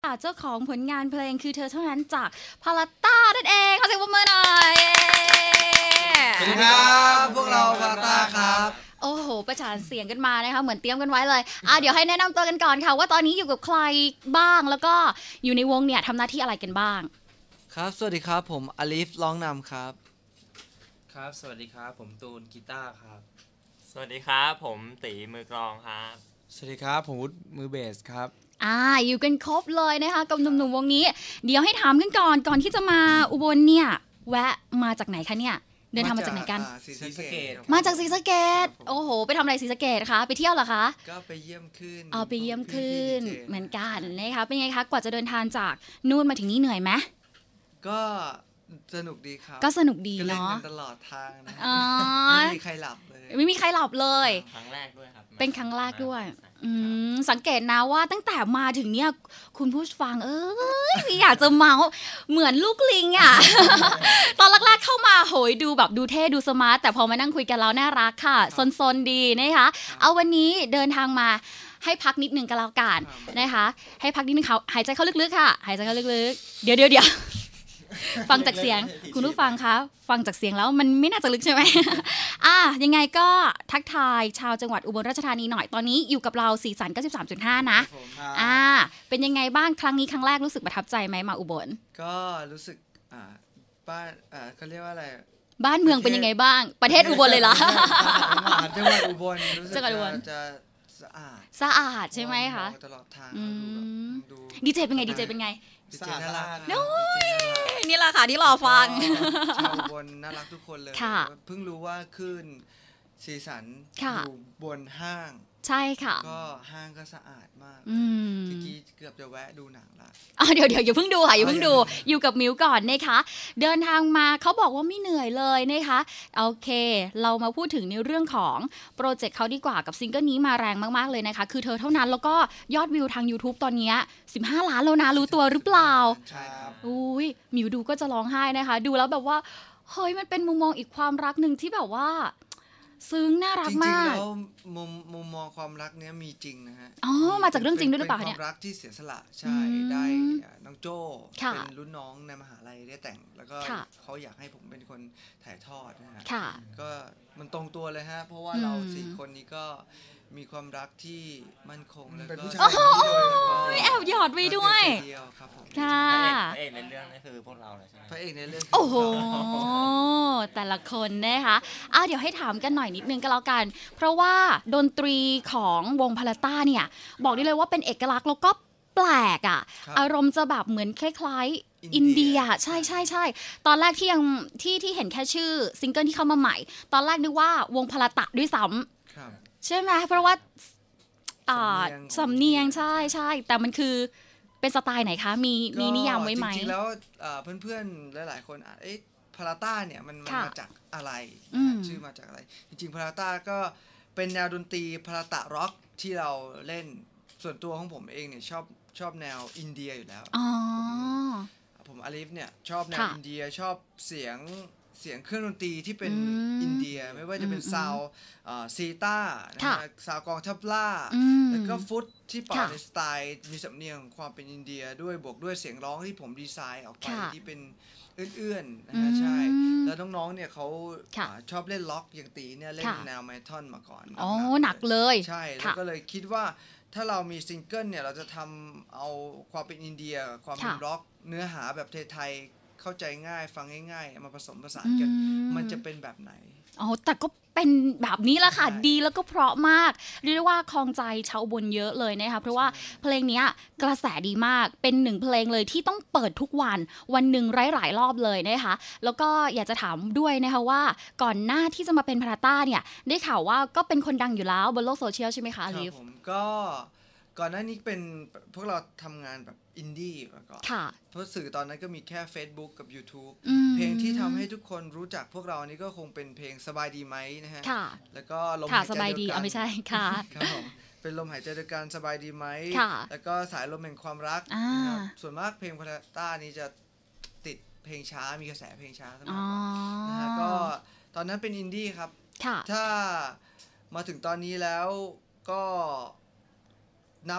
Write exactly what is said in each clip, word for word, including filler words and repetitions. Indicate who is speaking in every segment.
Speaker 1: เจ้าของผลงานเพลงคือเธอเท่านั้นจากพาราต้านั่นเองขอเสียงปรบมือหน่อย
Speaker 2: สวัสดีครับพวกเราพาราต้าครับ
Speaker 1: โอ้โหประสานเสียงกันมานะคะเหมือนเตรียมกันไว้เลยอ่ะเดี๋ยวให้แนะนำตัวกันก่อนค่ะว่าตอนนี้อยู่กับใครบ้างแล้วก็อยู่ในวงเนี่ยทำหน้าที่อะไรกันบ้าง
Speaker 2: ครับสวัสดีครับผมอลิฟร้องนำครับ
Speaker 3: ครับสวัสดีครับผมตูนกีตาร์ครับ
Speaker 4: สวัสดีครับผมตีมือกลองครับ
Speaker 5: สวัสดีครับผมวุฒิมือเบสครับ
Speaker 1: อ่าอยู่กันครบเลยนะคะกับหนุ่มๆวงนี้เดี๋ยวให้ถามกันก่อนก่อนที่จะมาอุบลเนี่ยแวะมาจากไหนคะเนี่ยเดินทางมาจากไหนกัน
Speaker 2: ศรีสะเกษ
Speaker 1: มาจากศรีสะเกษโอ้โหไปทำอะไรศรีสะเกษคะไปเที่ยวเหรอคะ
Speaker 2: ก็ไปเยี่ยมขึ้น
Speaker 1: เอาไปเยี่ยมขึ้นเหมือนกันนะคะเป็นไงคะกว่าจะเดินทางจากนู่นมาถึงนี่เหนื่อยไหม
Speaker 2: ก็สนุกดีครับ
Speaker 1: ก็สนุกดีเนาะ
Speaker 2: ตลอดทางนะไม่มีใครหลับเลย
Speaker 1: ไม่มีใครหลับเลย
Speaker 4: ครั้งแรกด้วยครับ
Speaker 1: เป็นครั้งแรกด้วยสังเกตนะว่าตั้งแต่มาถึงเนี่ยคุณผู้ฟังเอ้ยอยากจะเมาเหมือนลูกลิงอ่ะ ตอนแรกๆเข้ามาโหยดูแบบดูเท่ดูสมาร์ทแต่พอมานั่งคุยกันแล้วน่ารักค่ะซนๆดีนะคะเอาวันนี้เดินทางมาให้พักนิดนึงกันแล้วกันนะคะให้พักนิดนึงเขาหายใจเข้าลึกๆค่ะหายใจเข้าลึกๆเดี๋ยวเดี๋ยวเดี๋ยวฟังจากเสียงคุณผู้ฟังคะฟังจากเสียงแล้วมันไม่น่าจะลึกใช่ไหม อ่ะยังไงก็ทักทายชาวจังหวัดอุบลราชธานีหน่อยตอนนี้อยู่กับเราสีสัน เก้าสิบสามจุดห้า นะอ่าเป็นยังไงบ้างครั้งนี้ครั้งแรกรู้สึกประทับใจไหมมาอุบล
Speaker 2: ก็รู้สึกอ่าบ้านอ่าเขาเรียกว่าอะไร
Speaker 1: บ้านเมืองเป็นยังไงบ้างประเทศอุบลเลยล่ะ
Speaker 2: จังหวัดอุบลรู้สึกจะสะอาด
Speaker 1: สะอาดใช่ไหมคะ
Speaker 2: ตลอดทาง
Speaker 1: ดูดีเจเป็นไงดีเจเป็นไง
Speaker 2: ดีเจน่ารัก
Speaker 1: นี่แหละค่ะที่รอฟัง
Speaker 2: ชาวบนน่ารักทุกคนเลยเพิ่งรู้ว่าขึ้นสีสันอยู่บนห้าง
Speaker 1: ใช่ค่ะ
Speaker 2: ก็ห้างก็สะอาดมากเมื่อกี้เกือบจะแวะดูหนังละ
Speaker 1: อ๋อเดี๋ยวเดี๋ยวอย่าเพิ่งดูค่ะอย่าเพิ่งดูอยู่กับมิวก่อนนะคะเดินทางมาเขาบอกว่าไม่เหนื่อยเลยนะคะโอเคเรามาพูดถึงในเรื่องของโปรเจกต์เขาดีกว่ากับซิงเกิลนี้มาแรงมากๆเลยนะคะคือเธอเท่านั้นแล้วก็ยอดวิวทาง YouTube ตอนนี้สิบห้าล้านแล้วนะรู้ตัวหรือเปล่า
Speaker 2: ใช่ครับ
Speaker 1: อุ้ยมิวดูก็จะร้องไห้นะคะดูแล้วแบบว่าเฮ้ยมันเป็นมุมมองอีกความรักนึงที่แบบว่าซึ้งน่ารักมาก
Speaker 2: จริงๆแล้วมุมมุมมองความรักเนี้ยมีจริงนะฮะ
Speaker 1: อ๋อมาจากเรื่องจริงด้วยหรือเปล่า
Speaker 2: เนี่ยเป็นความรักที่เสียสละใช่ได้น้องโจ้เป็นรุ่นน้องในมหาลัยได้แต่งแล้วก็เขาอยากให้ผมเป็นคนถ่ายทอดนะฮะก็มันตรงตัวเลยฮะเพราะว่าเราสี่คนนี้ก็มีความรักที่มั่นคงแล้วก็
Speaker 1: ไม่แอบหยอดไว้ด้วย
Speaker 4: ค่ะพระเอกในเรื่องนี่คือพวกเราเลยใช่ไหม
Speaker 2: พระเอกในเรื่อง
Speaker 1: โอ้โหแต่ละคนนะคะอ่ะเดี๋ยวให้ถามกันหน่อยนิดนึงก็แล้วกันเพราะว่าดนตรีของวงพาราต้าเนี่ยบอกได้เลยว่าเป็นเอกลักษณ์แล้วก็แปลกอ่ะอารมณ์จะแบบเหมือนคล้ายๆอินเดียใช่ใช่ใช่ตอนแรกที่ยังที่ที่เห็นแค่ชื่อซิงเกิลที่เข้ามาใหม่ตอนแรกนึกว่าวงพาราตะด้วยซ้ำใช่ไหมเพราะว่าสำเนียงใช่ใช่แต่มันคือเป็นสไตล์ไหนคะมีมีนิยามไว้ไหม
Speaker 2: จริงๆแล้วเพื่อนๆหลายๆคนเอ๊ะพาราต้าเนี่ยมันมาจากอะไรชื่อมาจากอะไรจริงๆพาราต้าก็เป็นแนวดนตรีพาราตะร็อกที่เราเล่นส่วนตัวของผมเองเนี่ยชอบชอบแนวอินเดียอยู่แล้วผมอลิฟเนี่ยชอบแนวอินเดียชอบเสียงเสียงเครื่องดนตรีที่เป็นอินเดียไม่ว่าจะเป็นซาวซีต้าซาวกองทับล่าแล้วก็ฟุตที่เป่าในสไตล์มีสำเนียงความเป็นอินเดียด้วยบวกด้วยเสียงร้องที่ผมดีไซน์ออกไปที่เป็นเอื้อนๆนะฮะใช่แล้วน้องๆเนี่ยเขาชอบเล่นล็อกอย่างตีเนี่ยเล่นแนวเมทัลมาก่อน
Speaker 1: อ๋อหนักเลย
Speaker 2: ใช่แล้วก็เลยคิดว่าถ้าเรามีซิงเกิลเนี่ยเราจะทำเอาความเป็นอินเดียความเป็นร็อกเนื้อหาแบบไทยๆเข้าใจง่ายฟังง่ายๆมาผสมผสานกันมันจะเป็นแบบไหน
Speaker 1: อ๋อแต่ก็เป็นแบบนี้แหละค่ะดีแล้วก็เพราะมากเรียกได้ว่าคลองใจชาวอุบลเยอะเลยนะคะเพราะว่าเพลงนี้กระแสดีมากเป็นหนึ่งเพลงเลยที่ต้องเปิดทุกวันวันหนึ่งหลายๆรอบเลยนะคะแล้วก็อยากจะถามด้วยนะคะว่าก่อนหน้าที่จะมาเป็นพาราต้าเนี่ยได้ข่าวว่าก็เป็นคนดังอยู่แล้วบนโลกโซเชียลใช่ไหมคะลิฟ
Speaker 2: ผมก็ก่อนหน้านี้เป็นพวกเราทำงานแบบอินดี้มาก่อนเพราะสื่อตอนนั้นก็มีแค่ Facebook กับ YouTube เพลงที่ทำให้ทุกคนรู้จักพวกเรานี่ก็คงเป็นเพลงสบายดีไหมนะฮะแล้วก็
Speaker 1: ลมหายใจเดียวกันไม่ใช่ค่ะ
Speaker 2: ครับผมเป็นลมหายใจเดียวกันสบายดีไหมแล้วก็สายลมแห่งความรักส่วนมากเพลงพาราต้านี้จะติดเพลงช้ามีกระแสเพลงช้าเสมอนะฮะก็ตอนนั้นเป็นอินดี้ครับถ้ามาถึงตอนนี้แล้วก็นับ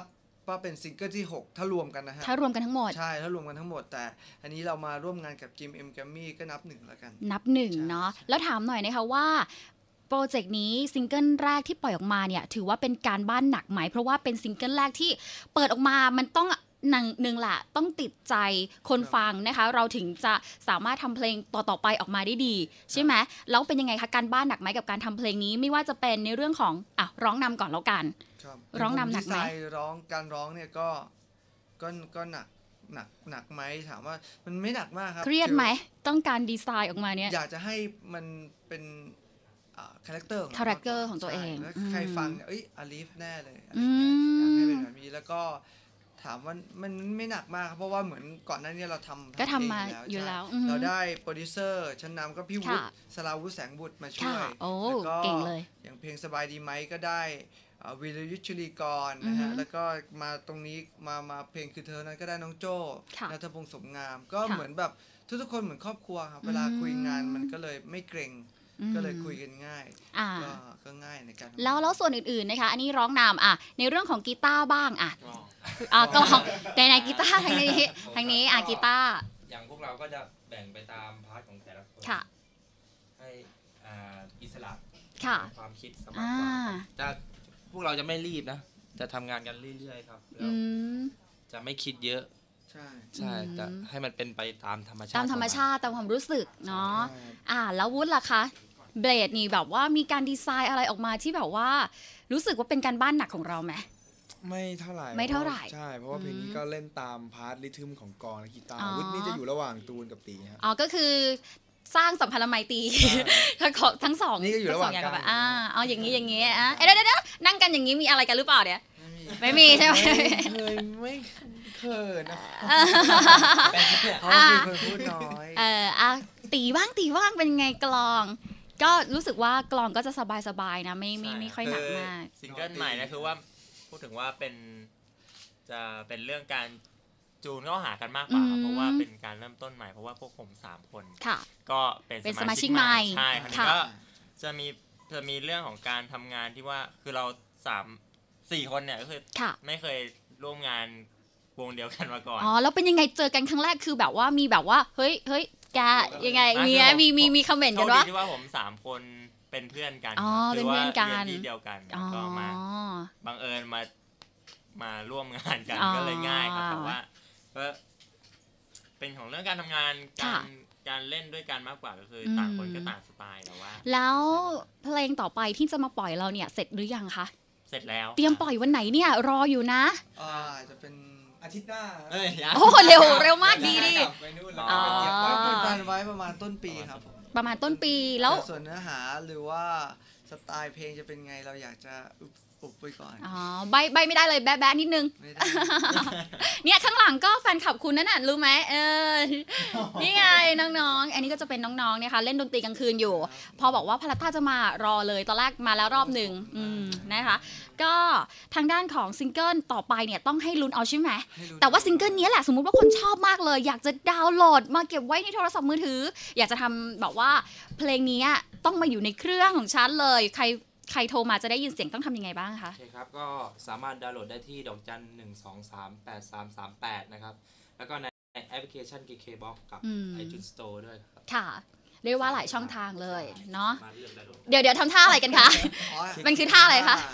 Speaker 2: ว่าเป็นซิงเกิลที่หกถ้ารวมกันนะฮะ
Speaker 1: ถ้ารวมกันทั้งหมด
Speaker 2: ใช่ถ้ารวมกันทั้งหมดแต่อันนี้เรามาร่วมงานกับจิมเอ็มแกรมมี่ก็นับหนึ่งแล้วกัน
Speaker 1: นับหนึ่งเนาะแล้วถามหน่อยนะคะว่าโปรเจกต์นี้ซิงเกิลแรกที่ปล่อยออกมาเนี่ยถือว่าเป็นการบ้านหนักไหมเพราะว่าเป็นซิงเกิลแรกที่เปิดออกมามันต้องหนึ่งหนึ่งแหละต้องติดใจคนฟังนะคะเราถึงจะสามารถทำเพลงต่อๆไปออกมาได้ดีใช่ไหมแล้วเป็นยังไงคะการบ้านหนักไหมกับการทำเพลงนี้ไม่ว่าจะเป็นในเรื่องของอ่ะร้องนำก่อนแล้วกันร้องนำหนักไหม
Speaker 2: ร้องการร้องเนี่ยก็ก็ก็หนักหนักหนักไหมถามว่ามันไม่หนักมากครับ
Speaker 1: เครียดไหมต้องการดีไซน์ออกมาเนี่ย
Speaker 2: อยากจะให้มันเป็นคาแรคเตอร์
Speaker 1: คาแรคเตอร์ของตัวเอง
Speaker 2: แล้วใครฟังเอ้ยอาลีฟแน่เลยอยากให้เป็นแบบนี้แล้วก็ถามว่ามันไม่หนักมากครับเพราะว่าเหมือนก่อนหน้านี้เราทำ
Speaker 1: ก็ทำมาอยู่แล้ว
Speaker 2: เราได้โปรดิวเซอร์ชั้นนำก็พี่วุฒิสราวุฒิแสงบุตรมาช่วย
Speaker 1: แล้วก็เก่งเลย
Speaker 2: อย่างเพลงสบายดีไหมก็ได้วิรยุทธชุลีกรนะฮะแล้วก็มาตรงนี้มามาเพลงคือเธอนั้นก็ได้น้องโจ้ณัฐพงษ์สมงามก็เหมือนแบบทุกๆคนเหมือนครอบครัวครับเวลาคุยงานมันก็เลยไม่เกรงก็เลยคุยกันง่ายก็ก็ง่ายในการ
Speaker 1: แล้วแล้วส่วนอื่นๆนะคะอันนี้ร้องนำอ่ะในเรื่องของกีตาร์บ้างอ่ะอ่ากลองในในกีตาร์ทางนี้ทางนี้อ่ะกีตาร์
Speaker 3: อย่างพวกเราก็จะแบ่งไปตามพาร์ทของแต่ละคนให้อ่าอิสระความคิดสมากกว่าจะพวกเราจะไม่รีบนะจะทำงานกันเรื่อยๆครับแล้วจะไม่คิดเยอะ
Speaker 2: ใช่
Speaker 3: ใช่จะให้มันเป็นไปตามธรรมชาติ
Speaker 1: ตามธรรมชาติตามความรู้สึกเนาะอ่าแล้ววุฒิล่ะคะเบลดนี่แบบว่ามีการดีไซน์อะไรออกมาที่แบบว่ารู้สึกว่าเป็นการบ้านหนักของเราไหม
Speaker 5: ไม่เท่าไหร่
Speaker 1: ไม่เท่าไหร่
Speaker 5: ใช่เพราะว่าเพลงนี้ก็เล่นตามพาร์ทริทึมของกลองและกีตาร์วุฒินี่จะอยู่ระหว่างตูนกับตีครับ
Speaker 1: อ๋อก็คือสร้างสัมพันธ์ไมตรีทั้งทั้งสอง
Speaker 5: นี่ก็อยู่ระหว่าง
Speaker 1: กันอ่าเอาอย่างนี้อย่างนี้อ่ะเดี๋ยวเดี๋ยวนั่งกันอย่างนี้มีอะไรกันหรือเปล่าเนี่ยไม่มีใช่ไหม
Speaker 5: เคยไม่เคยนะ
Speaker 2: เขามีคนพูดน้อย
Speaker 1: เอออ่ะตีบ้างตีบ้างเป็นไงกลองก็รู้สึกว่ากลองก็จะสบายๆนะไม่ไม่ไม่ค่อยหนักมาก
Speaker 4: ซิงเกิลใหม่นะคือว่าพูดถึงว่าเป็นจะเป็นเรื่องการจูนเข้าหากันมากกว่าเพราะว่าเป็นการเริ่มต้นใหม่เพราะว่าพวกผมสามคนก็เป็นสมาชิกใหม่ใช่คราวนี้ก็จะมีจะมีเรื่องของการทำงานที่ว่าคือเราสามสี่คนเนี่ยก็คือไม่เคยร่วมงานวงเดียวกันมาก่อน
Speaker 1: อ๋อแล้วเป็นยังไงเจอกันครั้งแรกคือแบบว่ามีแบบว่าเฮ้ยเฮ้ยแกยังไงมีมีมีมีคอมเมนต์กันว่า
Speaker 4: ที่ว่าผมสามคนเป็นเพื่อนกัน
Speaker 1: คือว่าเรียน
Speaker 4: ที่เดียวกันก็มาบังเอิญมามาร่วมงานกันก็เลยง่ายครับแต่ว่าก็เป็นของเรื่องการทำงานการการเล่นด้วยกันมากกว่าก็คือต่างคนก็ต่างสไตล์แต่ว่า
Speaker 1: แล้วเพลงต่อไปที่จะมาปล่อยเราเนี่ยเสร็จหรือยังคะ
Speaker 4: เสร็จแล้ว
Speaker 1: เตรียมปล่อยวันไหนเนี่ยรออยู่นะ
Speaker 2: อ่าจะเป็นอาทิตย์หน้า
Speaker 1: โอ้เร็วเร็วมากดีดิ
Speaker 2: อ๋อการไว้ประมาณต้นปีครับ
Speaker 1: ประมาณต้นปีแล้ว
Speaker 2: ส่วนเนื้อหาหรือว่าสไตล์เพลงจะเป็นไงเราอยากจะอุบไว้ก่อน
Speaker 1: อ๋อใบใบไม่ได้เลยแบ๊ะแบ๊ะนิดนึงเนี่ยข้างหลังก็แฟนคลับคุณนั่นน่ะรู้ไหมเออนี่ไงน้องๆอันนี้ก็จะเป็นน้องๆเนี่ยค่ะเล่นดนตรีกลางคืนอยู่พอบอกว่าพาราต้าจะมารอเลยตอนแรกมาแล้วรอบหนึ่งนะคะก็ทางด้านของซิงเกิลต่อไปเนี่ยต้องให้ลุ้นเอาใช่ไหมแต่ว่าซิงเกิลนี้แหละสมมุติว่าคนชอบมากเลยอยากจะดาวน์โหลดมาเก็บไว้ในโทรศัพท์มือถืออยากจะทำแบบว่าเพลงนี้ต้องมาอยู่ในเครื่องของฉันเลยใครใครโทรมาจะได้ยินเสียงต้องทำยังไงบ้างคะ
Speaker 3: โอเคครับก็สามารถดาวน์โหลดได้ที่ดอกจันหนึ่งสองสามแปดสามสามแปดนะครับแล้วก็ในแอปพลิเคชัน เค เค บ็อกซ์ กับ iTunes Store ด้วยครับ
Speaker 1: ค่ะเรียกว่าหลายช่องทางเลยเนาะเดี๋ยวเดี๋ยวทำท่าอะไรกันคะมันคือท่าอะไรคะ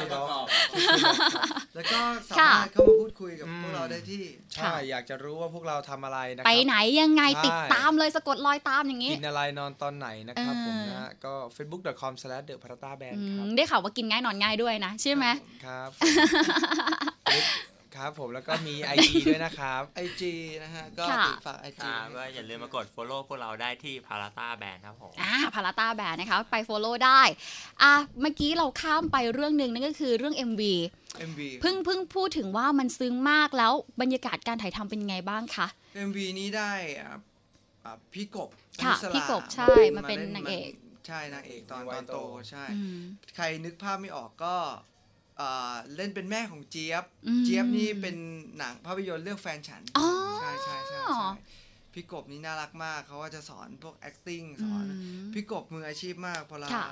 Speaker 2: แล้วก็สามารถเข้ามาพูดคุยกับพวกเราได้ที่
Speaker 5: ใช่อยากจะรู้ว่าพวกเราทำอะไรนะครับ
Speaker 1: ไปไหนยังไงติดตามเลยสะกดรอยตามอย่างนี้
Speaker 5: กินอะไรนอนตอนไหนนะครับผมนะก็ เฟซบุ๊ก ดอท คอม สแลช เดอะ พาราต้า แบนด์ ครับ
Speaker 1: ได้ข่าวว่ากินง่ายนอนง่ายด้วยนะใช่ไหม
Speaker 5: ครับครับผมแล้วก็มี ไอ จี ด้วยนะครับ
Speaker 2: ไอ จี นะฮะก็ติดฝาก ไอ จี
Speaker 4: ก็อย่าลืมมากด follow พวกเราได้ที่ Parata Band ครับผม
Speaker 1: อ่า Parata Band นะคะไป follow ได้อ่ะเมื่อกี้เราข้ามไปเรื่องนึงนั่นก็คือเรื่อง เอ็ม วี
Speaker 2: เอ็ม วี
Speaker 1: เพิ่งเพิ่งพูดถึงว่ามันซึ้งมากแล้วบรรยากาศการถ่ายทำเป็นไงบ้างคะ
Speaker 2: เอ็ม วี นี้ได้พี่กบ
Speaker 1: ค่ะพี่กบใช่มาเป็นนางเอก
Speaker 2: ใช่นางเอกตอนตอนโตใช่ใครนึกภาพไม่ออกก็เล่นเป็นแม่ของเจี๊ยบเจี๊ยบนี่เป็นหนังภาพยนตร์เรื่องแฟนฉันใช่ใช่ใช่พี่กบนี่น่ารักมากเขาก็จะสอนพวก acting สอนพี่กบมืออาชีพมากพอเรา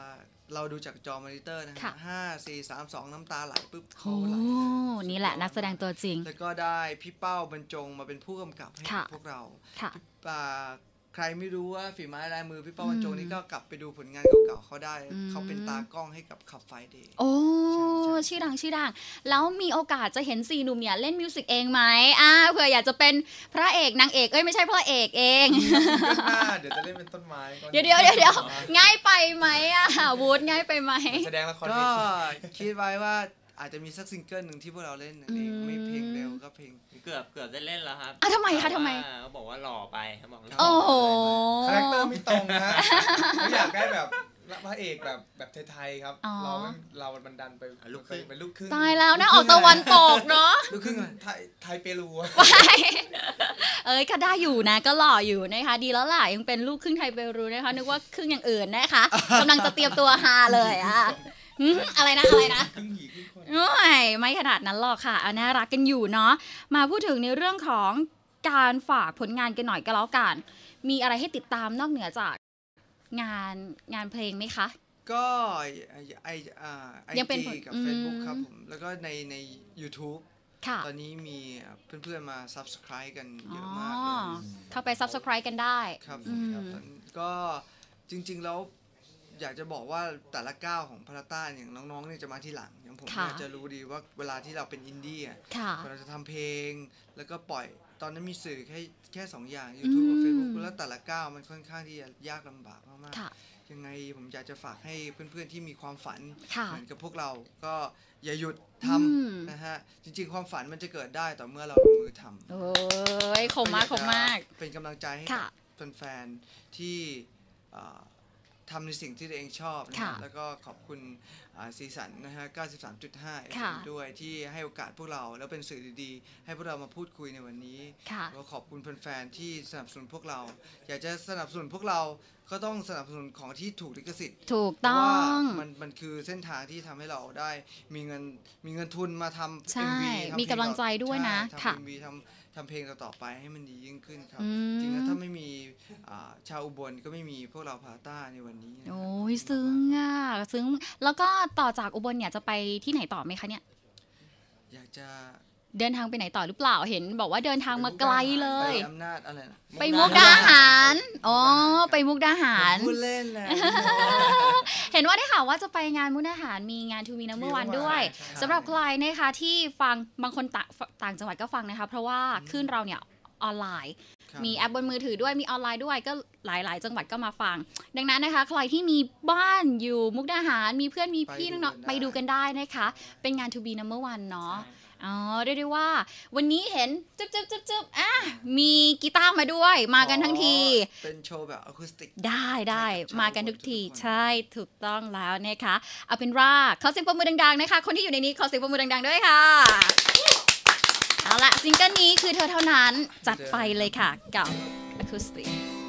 Speaker 2: เราดูจากจอมอนิเตอร์นะฮะห้าสี่สามสองน้ำตาไหลปุ๊บ
Speaker 1: โอ้นี่แหละนักแสดงตัวจริง
Speaker 2: แล้วก็ได้พี่เป้าบรรจงมาเป็นผู้กำกับให้พวกเราใครไม่รู้ว่าฝีไม้ลายมือพี่เป้าบรรจงนี่ก็กลับไปดูผลงานเก่าๆเขาได้เขาเป็นตากล้องให้กับขับไฟเดย์
Speaker 1: โอ้ชื่อดังชื่อดังแล้วมีโอกาสจะเห็นสี่หนุ่มเนี่ยเล่นมิวสิกเองไหมอ่าเผื่ออยากจะเป็นพระเอกนางเอกเอ้ยไม่ใช่พระเอกเอง
Speaker 5: เดี๋ยวจะเล่นเป็นต้นไม้
Speaker 1: เดี๋ยวเดี๋ยวเดี๋ยวง่ายไปไหมอ่ะวูดง่ายไปไหม
Speaker 5: แสดงละคร
Speaker 2: ก็คิดไว้ว่าอาจจะมีสักซิงเกิลหนึ่งที่พวกเราเล่นเองไม่เพลงเร็วก็เพลง
Speaker 4: เกือบเกือบได้เล่นแล้วครับ
Speaker 1: อ่ะทำไมคะทำไม
Speaker 4: เขาบอกว่าหล่อไปเขาบอก
Speaker 1: โอ้โห
Speaker 5: คาแรคเตอร์ไม่ตรงนะไม่อยากได้แบบพระเอกแบบแบบไทยๆครับเราเราบันดันไปลูกครึ่งเป็นลูกครึ่ง
Speaker 1: ตายแล้วนะออกตะวันตกเนาะ
Speaker 5: ลูกครึ่งไทยไทยเปรู
Speaker 1: เอ้ยก็ได้อยู่นะก็หล่ออยู่นะคะดีแล้วล่ะยังเป็นลูกครึ่งไทยเปรูนะคะนึกว่าครึ่งอย่างอื่นนะคะกำลังจะเตรียมตัวฮาเลยอ่ะอะไรนะอะไรนะไม่ไม่ขนาดนั้นหรอกค่ะเอาน่ารักกันอยู่เนาะมาพูดถึงในเรื่องของการฝากผลงานกันหน่อยก็แล้วกันมีอะไรให้ติดตามนอกเหนือจากงานงานเพลงไหมคะ
Speaker 2: ก็ไอไอไอจีกับ Facebook ครับผมแล้วก็ในใน YouTube ตอนนี้มีเพื่อนๆมา Subscribe กันเยอะมากเลย
Speaker 1: เข้าไป Subscribe กันได้
Speaker 2: ครับก็จริงๆแล้วอยากจะบอกว่าแต่ละก้าวของพาราต้าอย่างน้องๆเนี่ยจะมาที่หลังอย่างผมเนี่ยจะรู้ดีว่าเวลาที่เราเป็นอินดี้อ่ะเราจะทำเพลงแล้วก็ปล่อยตอนนั้นมีสื่อแค่แค่สองอย่าง YouTube กับ Facebook แล้วแต่ละก้าวมันค่อนข้างที่จะยากลำบากมากๆยังไงผมอยากจะฝากให้เพื่อนๆที่มีความฝันเหมือนกับพวกเราก็อย่าหยุดทำนะฮะจริงๆความฝันมันจะเกิดได้ต่อเมื่อเราลงมือทำ
Speaker 1: โอ้ยคมมากคมมาก
Speaker 2: เป็นกำลังใจให้กับแฟนๆที่ทำในสิ่งที่ตัวเองชอบนะแล้วก็ขอบคุณซีสันนะฮะ เก้าสิบสามจุดห้า ด้วยที่ให้โอกาสพวกเราแล้วเป็นสื่อดีๆให้พวกเรามาพูดคุยในวันนี้แล้วขอบคุณแฟนๆที่สนับสนุนพวกเราอยากจะสนับสนุนพวกเราก็ต้องสนับสนุนของที่ถูกลิขสิทธิ์
Speaker 1: ถูกต้อง
Speaker 2: มันมันคือเส้นทางที่ทำให้เราได้มีเงินมีเงินทุนมาทำ
Speaker 1: เอ็ม วี มีกำลังใจด้วยนะ
Speaker 2: ค่ะทำ เอ็ม วี ทำทำเพลงต่อไปให้มันดียิ่งขึ้นครับจริงๆถ้าไม่มีชาวอุบลก็ไม่มีพวกเราพาต้าในวันนี้
Speaker 1: โอ้ยซึ้งอ่ะซึ้งแล้วก็ต่อจากอุบลเนี่ยจะไปที่ไหนต่อไหมคะเนี่ย
Speaker 2: อยากจะ
Speaker 1: เดินทางไปไหนต่อหรือเปล่าเห็นบอกว่าเดินทางมาไกลเลย
Speaker 2: ไปอำนาจอะไรนะ
Speaker 1: ไปมุกดาหารอ๋อไปมุกดาหาร
Speaker 2: พูดเล่นแหละ
Speaker 1: เห็นว่าได้ข่าวว่าจะไปงานมุกดาหารมีงานทูมีนัมเบอร์วันด้วยสำหรับใครนะคะที่ฟังบางคนต่างจังหวัดก็ฟังนะคะเพราะว่าขึ้นเราเนี่ยออนไลน์มีแอปบนมือถือด้วยมีออนไลน์ด้วยก็หลายๆจังหวัดก็มาฟังดังนั้นนะคะใครที่มีบ้านอยู่มุกดาหารมีเพื่อนมีพี่น้องๆไปดูกันได้นะคะเป็นงาน To Be Number One เนาะอ๋อเรียกได้ว่าวันนี้เห็นจึ๊บจึ๊บจึ๊บจึ๊บอ่ะมีกีตาร์มาด้วยมากันทั้งที
Speaker 2: เป็นโชว์แบบอะคูสติก
Speaker 1: ได้ได้มากันทุกทีใช่ถูกต้องแล้วนะคะเอาเป็นว่าขอเสียงปรบมือดังๆนะคะคนที่อยู่ในนี้ขอเสียงปรบมือดังๆด้วยค่ะเอาละซิงเกิลนี้คือเธอเท่านั้นจัดไปเลยค่ะกับอะคูสติก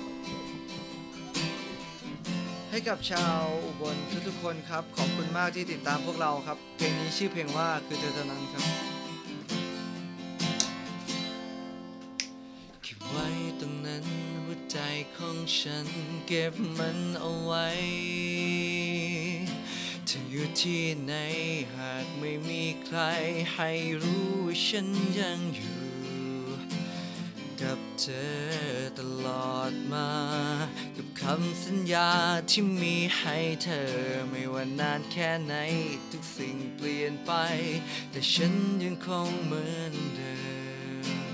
Speaker 2: ให้กับชาวอุบลทุกๆคนครับขอบคุณมากที่ติดตามพวกเราครับเพลงนี้ชื่อเพลงว่าคือเธอเท่านั้นครับเก็บไว้ตรงนั้นหัวใจของฉันเก็บมันเอาไว้เธออยู่ที่ไหนหากไม่มีใครให้รู้ว่าฉันยังอยู่กับเธอตลอดมากับคำสัญญาที่มีให้เธอไม่ว่านานแค่ไหนทุกสิ่งเปลี่ยนไปแต่ฉันยังคงเหมือนเดิม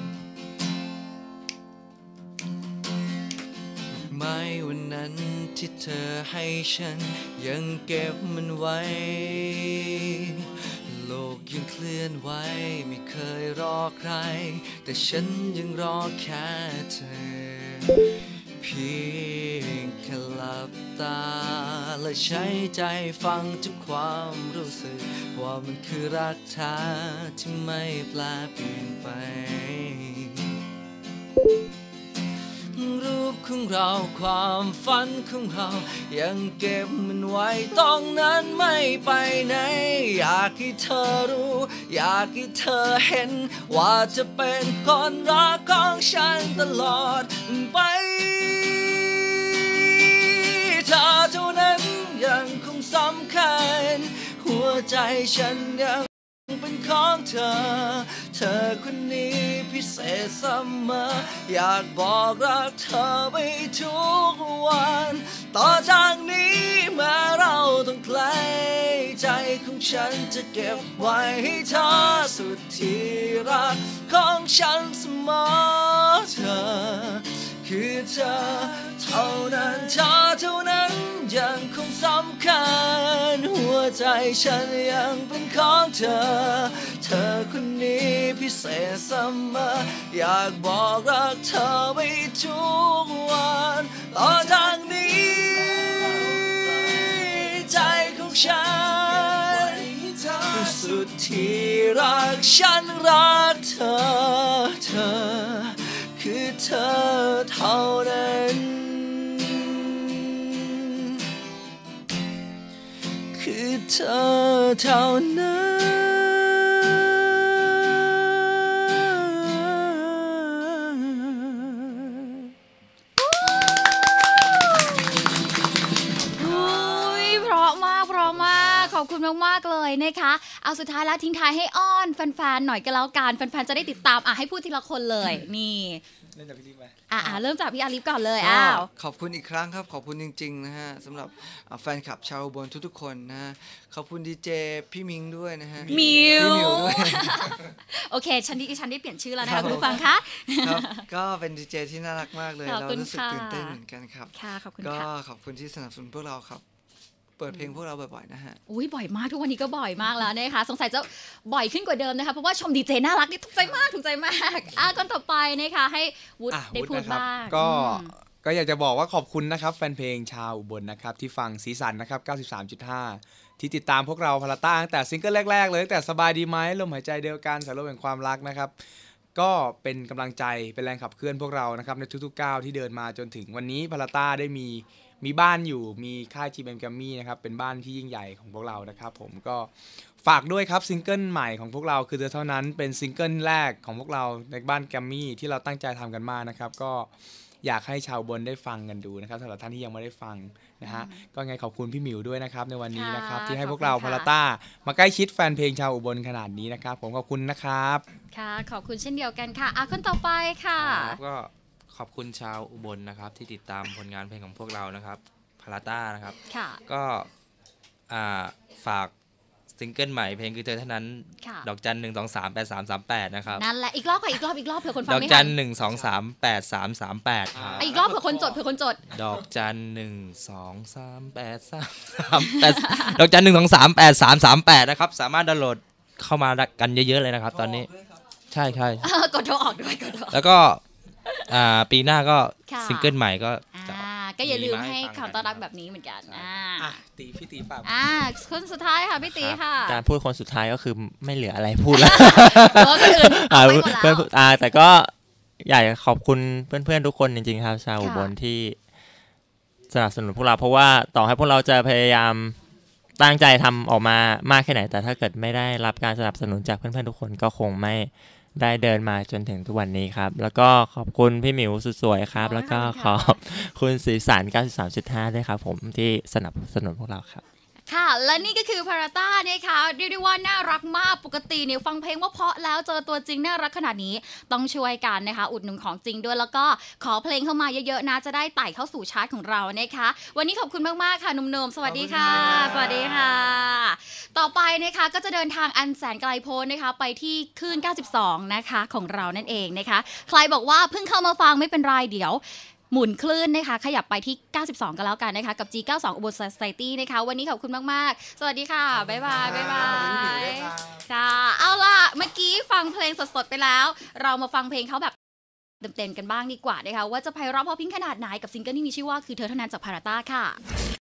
Speaker 2: ไม้วันนั้นที่เธอให้ฉันยังเก็บมันไว้โลกยังเคลื่อนไหวไม่เคยรอใครแต่ฉันยังรอแค่เธอเพียงแค่หลับตาและใช้ใจฟังทุกความรู้สึกว่ามันคือรักแท้ที่ไม่แปรเปลี่ยนไปรูปของเราความฝันของเรายังเก็บมันไว้ตรงนั้นไม่ไปไหนอยากให้เธอรู้อยากให้เธอเห็นว่าจะเป็นคนรักของฉันตลอดไปเธอเท่านั้นยังคงสำใจฉันยังเป็นของเธอเธอคนนี้พิเศษเสมออยากบอกรักเธอไปทุกวันต่อจากนี้แม้เราต้องไกลใจของฉันจะเก็บไว้ให้เธอสุดที่รักของฉันเสมอเธอคือเธอเท่านั้นเธอเท่านั้นยังคงสำคัญหัวใจฉันยังเป็นของเธอเธอคนนี้พิเศษเสมออยากบอกรักเธอไปทุกวันต่อจากนี้ใจของฉันสุดที่รักฉันรักเธอเธอคือเธอเท่านั้นคือเธอเท่านั้น
Speaker 1: ขอบคุณมากๆเลยนะคะเอาสุดท้ายแล้วทิ้งท้ายให้อ้อนแฟนๆหน่อยก็แล้วกันแฟนๆจะได้ติดตามอ่ะให้พูดทีละคนเลยนี่
Speaker 5: เริ่มจากพี่ลิฟไหม
Speaker 1: อ่ะเริ่มจากพี่อาลิฟก่อนเลยอ้าว
Speaker 2: ขอบคุณอีกครั้งครับขอบคุณจริงๆนะฮะสำหรับแฟนคลับชาวอุบลทุกๆคนนะฮะขอบคุณดีเจพี่มิงด้วยนะฮะ
Speaker 1: มิว
Speaker 2: ด้วย
Speaker 1: โอเคฉันดิฉันได้เปลี่ยนชื่อแล้วนะคะคุณผู้ฟังคะ
Speaker 2: ครับก็เป็นดีเจที่น่ารักมากเลยเรารู้สึกตื่นเต้นเหมือนกันครับ
Speaker 1: ค่ะขอบคุณ
Speaker 2: ก็
Speaker 1: ค่ะ
Speaker 2: ขอบคุณที่สนับสนุนพวกเราครับเปิดเพลงพวกเราบ่อยๆนะฮะ
Speaker 1: อุ้ยบ่อยมากทุกวันนี้ก็บ่อยมากแล้วนะคะสงสัยจะบ่อยขึ้นกว่าเดิมนะคะเพราะว่าชมดีเจน่ารักนี่ถูกใจมากถูกใจมากอ่ะก่อนต่อไปนะคะให้วุฒิได้พูดบ้าง
Speaker 5: ก็ก็อยากจะบอกว่าขอบคุณนะครับแฟนเพลงชาวอุบลนะครับที่ฟังสีสันนะครับ เก้าสิบสามจุดห้า ที่ติดตามพวกเราพาราต้าตั้งแต่ซิงเกิลแรกๆเลยตั้งแต่สบายดีไหมลมหายใจเดียวกันสายลมแห่งความรักนะครับก็เป็นกำลังใจเป็นแรงขับเคลื่อนพวกเรานะครับในทุกๆก้าวที่เดินมาจนถึงวันนี้พาราต้าได้มีมีบ้านอยู่มีค่าย จี เอ็ม Grammy นะครับเป็นบ้านที่ยิ่งใหญ่ของพวกเรานะครับผมก็ฝากด้วยครับซิงเกิลใหม่ของพวกเราคือเธอเท่านั้นเป็นซิงเกิลแรกของพวกเราในบ้าน Grammy ที่เราตั้งใจทำกันมากนะครับก็อยากให้ชาวบนได้ฟังกันดูนะครับสำหรับท่านที่ยังไม่ได้ฟังนะฮะก็ไงขอบคุณพี่หมิวด้วยนะครับในวันนี้นะครับที่ให้พวกเราพาราต้ามาใกล้ชิดแฟนเพลงชาวอุบลขนาดนี้นะครับผมขอบคุณนะครับ
Speaker 1: ค่ะขอบคุณเช่นเดียวกันค่ะอ่ะคนต่อไปค่ะ
Speaker 3: ก็ขอบคุณชาวอุบลนะครับที่ติดตามผลงานเพลงของพวกเรานะครับพาราต้านะครับก็ฝากซิงเกิลใหม่เพลงคือเธอเท่านั้นดอกจันหนึ่งสองสามแปดสามสามแปดนะครับ
Speaker 1: นั่นแหละอีกรอบค่ะอีกรอบอีกรอบเผื่อคนฟังไม่ทัน
Speaker 3: ดอกจันหนึ่งสองสามแปดสามสามแปดครับ
Speaker 1: อีกรอบเผื่อคนจดเผื่อคนจด
Speaker 3: ดอกจันหนึ่งสองสามแปดสามสามแปดดอกจันหนึ่งสองสามแปดสามสามแปดนะครับสามารถดาวน์โหลดเข้ามากันเยอะๆเลยนะครับตอนนี้ใช่ใช่
Speaker 1: กดโทรออกด้วยกดโทร
Speaker 3: แล้วก็ปีหน้าก็ซิงเกิลใหม่ก็
Speaker 1: ก็อย่าลืมให้คำต้อนรับแบบนี้เหมือนกัน
Speaker 5: อ่ะตีพี่ตีฝาก
Speaker 1: อ่าคนสุดท้ายค่ะพี่ตีค่ะ
Speaker 4: การพูดคนสุดท้ายก็คือไม่เหลืออะไรพูดแล้ว
Speaker 1: อ่
Speaker 4: าแต่ก็อยากขอบคุณเพื่อนๆทุกคนจริงๆครับชาวอุบลที่สนับสนุนพวกเราเพราะว่าต่อให้พวกเราจะพยายามตั้งใจทำออกมามากแค่ไหนแต่ถ้าเกิดไม่ได้รับการสนับสนุนจากเพื่อนๆทุกคนก็คงไม่ได้เดินมาจนถึงทุกวันนี้ครับแล้วก็ขอบคุณพี่หมิวสุดสวยครับแล้วก็ขอบคุณสีสัน เก้าสิบสามจุดห้า ด้วยครับผมที่สนับสนุนพวกเราครับ
Speaker 1: ค่ะและนี่ก็คือพาราต้านะคะเรียกได้ว่าน่ารักมากปกติเนี่ยฟังเพลงว่าเพราะแล้วเจอตัวจริงน่ารักขนาดนี้ต้องช่วยกันนะคะอุดหนุนของจริงด้วยแล้วก็ขอเพลงเข้ามาเยอะๆนะจะได้ไต่เข้าสู่ชาร์ตของเรานะคะวันนี้ขอบคุณมากๆค่ะหนุ่มๆสวัสดีค่ะสวัสดีค่ะต่อไปนะคะก็จะเดินทางอันแสนไกลโพ้นนะคะไปที่คลื่นเก้าสิบสองนะคะของเรานั่นเองนะคะใครบอกว่าเพิ่งเข้ามาฟังไม่เป็นไรเดี๋ยวหมุนคลื่นนะคะขยับไปที่เก้าสิบสองกันแล้วกันนะคะกับ จี เก้าสิบสอง อุบล Society นะคะวันนี้ขอบคุณมากๆสวัสดีค่ะบ๊ายบายบ๊ายบายค่ะเอาล่ะเมื่อกี้ฟังเพลงสดๆไปแล้วเรามาฟังเพลงเขาแบบเต็มๆกันบ้างดีกว่านะคะว่าจะไพเราะเพราะพริ้งขนาดไหนกับซิงเกิลที่มีชื่อว่าคือเธอเท่านั้นจากพาราต้าค่ะ